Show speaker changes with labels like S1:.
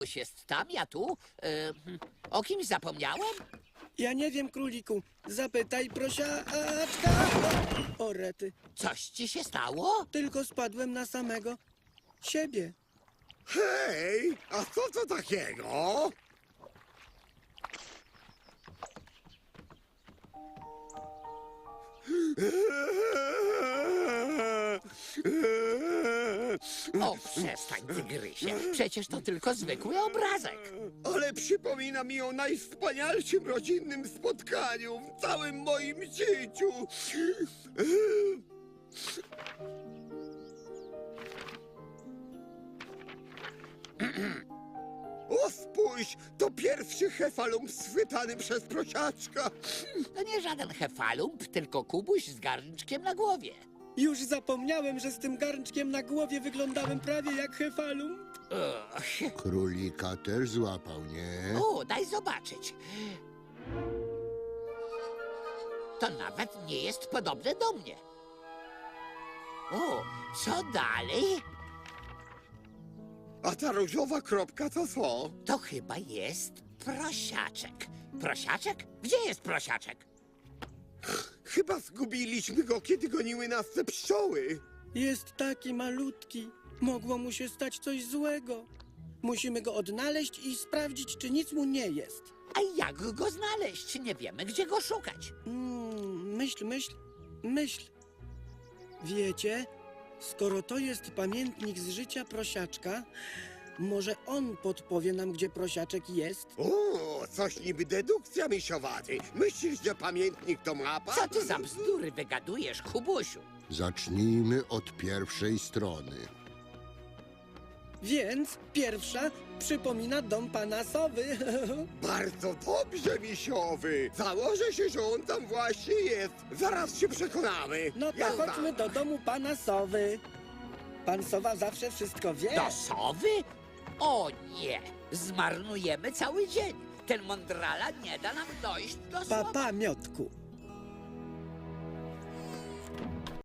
S1: Kubuś jest tam, ja tu. O kimś zapomniałem?
S2: Ja nie wiem, króliku. Zapytaj prosiaczka. O rety.
S1: Coś ci się stało?
S2: Tylko spadłem na samego siebie.
S3: Hej, a co to takiego?
S1: O, przestań, tygrysie. Przecież to tylko zwykły obrazek.
S3: Ale przypomina mi o najwspanialszym rodzinnym spotkaniu w całym moim życiu. O, spójrz, to pierwszy hefalump schwytany przez prosiaczka.
S1: To nie żaden hefalump, tylko Kubuś z garnczkiem na głowie.
S2: Już zapomniałem, że z tym garnczkiem na głowie wyglądałem prawie jak hefalum.
S4: Królika też złapał, nie?
S1: O, daj zobaczyć. To nawet nie jest podobne do mnie. O, co dalej?
S3: A ta różowa kropka to co?
S1: To chyba jest prosiaczek. Prosiaczek? Gdzie jest prosiaczek?
S3: Chyba zgubiliśmy go, kiedy goniły nas te pszczoły.
S2: Jest taki malutki. Mogło mu się stać coś złego. Musimy go odnaleźć i sprawdzić, czy nic mu nie jest.
S1: A jak go znaleźć? Nie wiemy, gdzie go szukać.
S2: Myśl. Wiecie, skoro to jest pamiętnik z życia prosiaczka, może on podpowie nam, gdzie prosiaczek jest?
S3: O, coś niby dedukcja misiowaty. Myślisz, że pamiętnik to mapa?
S1: Co ty za bzdury wygadujesz, Kubusiu?
S4: Zacznijmy od pierwszej strony.
S2: Więc pierwsza przypomina dom pana Sowy.
S3: Bardzo dobrze, misiowy. Założę się, że on tam właśnie jest. Zaraz się przekonamy.
S2: No to
S3: Jazda.
S2: chodźmy do domu pana Sowy. Pan Sowa zawsze wszystko wie.
S1: Do sowy? O nie! Zmarnujemy cały dzień. Ten mądrala nie da nam dojść do sowy.
S2: Papa, Miotku.